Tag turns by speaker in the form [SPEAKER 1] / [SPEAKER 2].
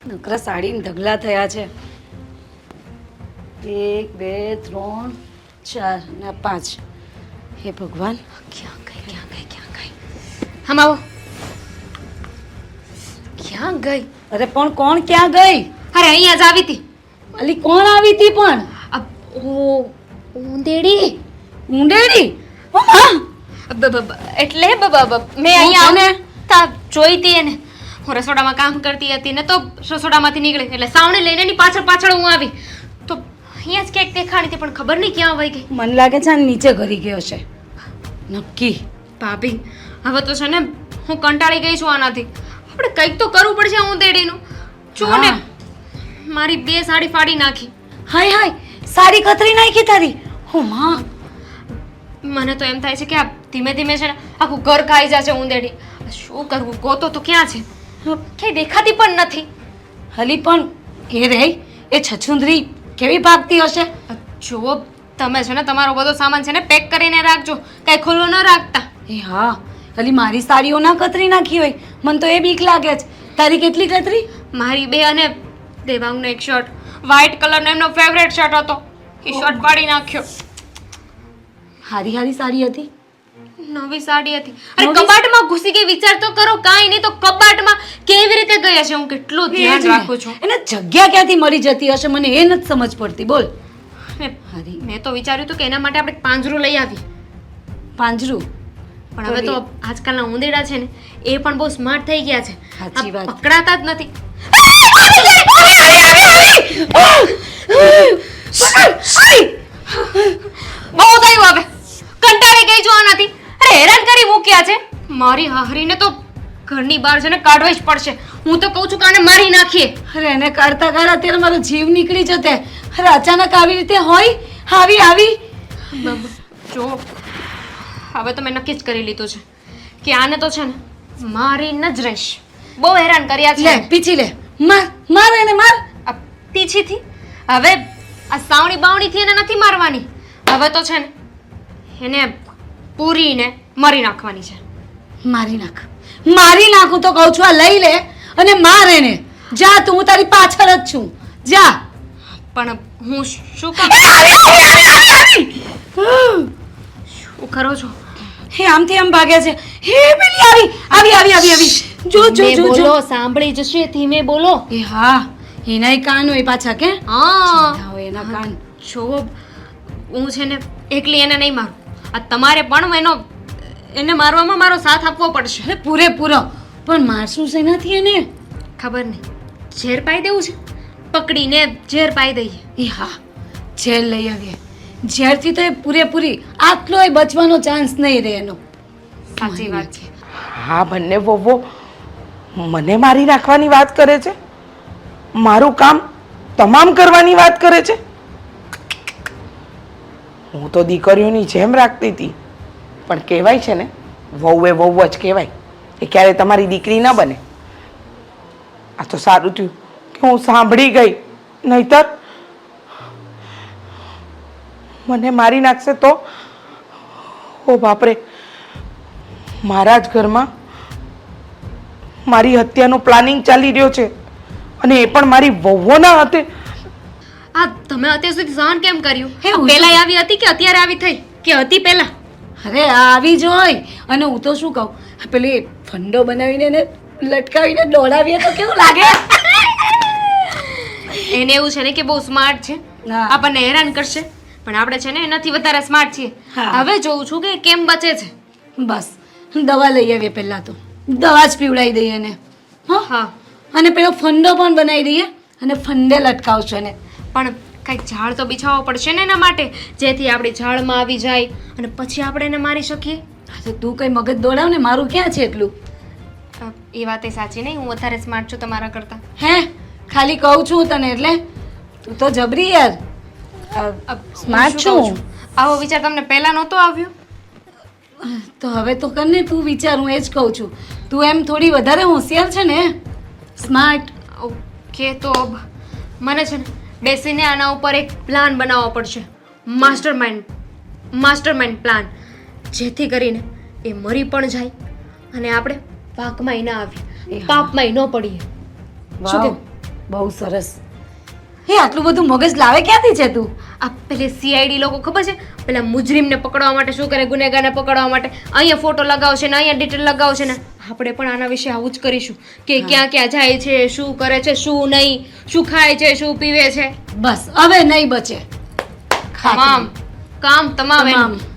[SPEAKER 1] નકરા સાડીને ઢગલા થયા છે. 1 2 3 4 ને 5. હે ભગવાન,
[SPEAKER 2] ક્યાં ગઈ હમ આવો. ક્યાં ગઈ?
[SPEAKER 1] અરે પણ કોણ ક્યાં ગઈ?
[SPEAKER 2] અરે અહીંયા જ આવી હતી.
[SPEAKER 1] અલી કોણ આવી હતી પણ?
[SPEAKER 2] ઉંદેડી.
[SPEAKER 1] ઊંડેડી? ઓ માં!
[SPEAKER 2] એટલે મેં અહીંયા ને તા જોઈ હતી એને. હું રસોડામાં કામ કરતી હતી ને તો રસોડામાંથી નીકળી એટલે સાવણે લઈને એની પાછળ હું આવી તો અહીંયા જ ક્યાંક દેખાણી હતી પણ ખબર નહીં ક્યાં વહી ગઈ.
[SPEAKER 1] મને લાગે છે આ નીચે ઘરી ગયો છે નક્કી.
[SPEAKER 2] ભાભી હવે તો છે ને હું કંટાળી ગઈ છું આનાથી. આપણે કંઈક તો કરવું પડશે ઉંદેડીનું. જો ને મારી 2 સાડી ફાડી નાખી.
[SPEAKER 1] હાય હાય, સાડી કતરી નાખી તારી. ઓ માં,
[SPEAKER 2] મને તો એમ થાય છે કે આ ધીમે ધીમે છે ને આખું ઘર ખાઈ જશે ઉંદેડી. શું કરવું? ગોતો તો ક્યાં છે? ક્યાંય દેખાતી પણ નથી.
[SPEAKER 1] હલી પણ એ રે એ છછુંદરી કેવી ભાગતી હશે.
[SPEAKER 2] જુઓ તમે છે ને તમારો બધો સામાન છે ને પેક કરીને રાખજો, કાંઈ ખુલ્લું ન રાખતા.
[SPEAKER 1] એ હા, હલી મારી સાડીઓ ના કતરી નાખી હોય, મને તો એ બીક લાગે છે. તારી કેટલી કતરી?
[SPEAKER 2] મારી 2 અને દેવાંગનો એક શર્ટ, વ્હાઈટ કલરનો એમનો ફેવરેટ શર્ટ હતો, એ શર્ટ પાડી નાખ્યો.
[SPEAKER 1] હારી હારી સાડી હતી,
[SPEAKER 2] નવી સાડી હતી. અરે કબાટમાં ઘૂસી ગઈ. વિચાર તો કરો. કાંઈ નહીં તો કબાટમાં કેવી રીતે ગઈ હશે? હું કેટલું ધ્યાન રાખું છું.
[SPEAKER 1] એને જગ્યા ક્યાંથી મળી જતી હશે, મને એ નથી સમજ પડતી. બોલ.
[SPEAKER 2] મેં તો વિચાર્યું હતું કે એના માટે આપણે પાંજરું લઈ આવી.
[SPEAKER 1] પાંજરું?
[SPEAKER 2] પણ હવે તો આજકાલના ઉંદેડા છે ને એ પણ બહુ સ્માર્ટ થઈ ગયા છે.
[SPEAKER 1] સાચી વાત.
[SPEAKER 2] પકડાતા જ નથી. બહુ થયું હવે. કંટાળી ગઈ છું આનાથી. અરે હેરાન કરી મૂક્યા છે. મારી હાહરીને તો ઘરની બહાર છે ને કાઢવી જ પડશે. હું તો કહું છું કે આને મારી નાખીએ.
[SPEAKER 1] અરે એને કાઢતા કાઢતા અત્યારે મારો જીવ નીકળી જતે. અરે અચાનક આવી રીતે હોય આવી.
[SPEAKER 2] જો હવે તો મેં નક્કી જ કરી લીધું છે કે આને તો છે ને મારીને જ રહીશ. બહુ હેરાન કર્યા છે.
[SPEAKER 1] લે પીછી લે, માર એને માર.
[SPEAKER 2] આ પીછીથી હવે આ સાવણી બાવણીથી એને નથી મારવાની. હવે તો છે ને એને પૂરીને મારી નાખવાની છે.
[SPEAKER 1] મારી નાખું તો કહું છું. આ લઈ લે અને માર એને. જા તું, હું તારી પાછળ જ છું. જા.
[SPEAKER 2] પણ હું શું કરું? શું કરો છો?
[SPEAKER 1] હે આમથી આમ ભાગે છે. હે પેલી આવી. જો
[SPEAKER 2] બોલો, સાંભળી જશે. ધીમે બોલો.
[SPEAKER 1] એ હા, એનાય કાન હોય પાછા. કે
[SPEAKER 2] હા
[SPEAKER 1] હોય એના કાન.
[SPEAKER 2] જો હું છે ને એકલી એને નહીં મારું. આ તમારે પણ એને મારવામાં મારો સાથ આપવો પડશે.
[SPEAKER 1] અરે પૂરેપૂરો. પણ મારશું શેનાથી એને?
[SPEAKER 2] ખબર નહીં. ઝેર પાઈ દેવું છે. પકડીને ઝેર પાઈ દઈએ.
[SPEAKER 1] એ હા, ઝેર લઈ આવીએ. ઝેરથી તો એ પૂરેપૂરી આટલોય બચવાનો ચાન્સ નહીં રહે એનો.
[SPEAKER 2] સાચી વાત છે.
[SPEAKER 3] હા, બંને વહુઓ મને મારી નાખવાની વાત કરે છે. મારું કામ તમામ કરવાની વાત કરે છે. હું તો દીકરીઓની જેમ રાખતી હતી, પણ કહેવાય છે ને વહુ એ વહુ જ કહેવાય. એ ક્યારે તમારી દીકરી ન બને. આ તો સારું થયું કે હું સાંભળી ગઈ, નહીતર મને મારી નાખશે તો. ઓ બાપરે, મારા જ ઘરમાં મારી હત્યાનું પ્લાનિંગ ચાલી રહ્યો છે અને એ પણ મારી વહુઓના હાથે.
[SPEAKER 2] આ તમે અત્યાર સુધી સહન કેમ કર્યું?
[SPEAKER 1] એવું
[SPEAKER 2] પહેલા આવી હતી કે અત્યારે આવી થઈ કે હતી પહેલા?
[SPEAKER 1] અરે આવી જ હોય. અને હું તો શું કહું, પેલી ફંડો બનાવીને એને લટકાવીને દોડાવીએ તો કેવું લાગે?
[SPEAKER 2] એને એવું છે ને કે બહુ સ્માર્ટ છે,
[SPEAKER 1] હા.
[SPEAKER 2] આપણને હેરાન કરશે. પણ આપણે છે ને એનાથી વધારે સ્માર્ટ છીએ.
[SPEAKER 1] હા.
[SPEAKER 2] હવે જોઉં છું કે કેમ બચે છે.
[SPEAKER 1] બસ દવા લઈ આવીએ. પહેલા તો દવા જ પીવડાવી દઈએ એને.
[SPEAKER 2] હા,
[SPEAKER 1] અને પેલો ફંડો પણ બનાવી દઈએ અને ફંડે લટકાવશો એને.
[SPEAKER 2] પણ કંઈક ઝાડ તો બિછાવવો પડશે ને એના માટે, જેથી આપણી ઝાડમાં આવી જાય અને પછી આપણે એને મારી શકીએ.
[SPEAKER 1] હા, તો તું કઈ મગજ દોડાવ ને. મારું ક્યાં છે એટલું?
[SPEAKER 2] એ વાત એ સાચી નહીં. હું વધારે સ્માર્ટ છું તમારા કરતા.
[SPEAKER 1] હે ખાલી કહું છું તને, એટલે તું તો જબરી યાર. સ્માર્ટ
[SPEAKER 2] શું કહું
[SPEAKER 1] છું.
[SPEAKER 2] આવો વિચાર તમને પહેલા નહોતો આવ્યો?
[SPEAKER 1] તો હવે તો કરને તું વિચાર. હું એ જ કહું છું. તું એમ થોડી વધારે હોશિયાર છે ને, સ્માર્ટ.
[SPEAKER 2] ઓકે, તો મને છે ને બેસીને આના ઉપર એક પ્લાન બનાવવો પડશે. માસ્ટરમાઇન્ડ પ્લાન, જેથી કરીને એ મરી પણ જાય અને આપણે પાકમાં ના આવીએ, પાપમાં ન પડીએ. શું
[SPEAKER 1] વાવ,
[SPEAKER 2] કેવું?
[SPEAKER 1] બહુ સરસ. હે આટલું બધું મગજ લાવે ક્યાંથી છે તું?
[SPEAKER 2] આ પેલે સીઆઈડી લોકો ખબર છે પેલા મુજરીમને પકડવા માટે શું કરે, ગુનેગારને પકડવા માટે અહીંયા ફોટો લગાવશે ને અહીંયા ડિટેલ લગાવશે ને આપણે પણ આના વિશે આવું જ કરીશું કે ક્યાં ક્યાં જાય છે, શું કરે છે, શું નહીં, શું ખાય છે, શું પીવે છે,
[SPEAKER 1] બસ હવે નહીં બચે.
[SPEAKER 2] તમામ કામ તમામ એનું.
[SPEAKER 1] તમામ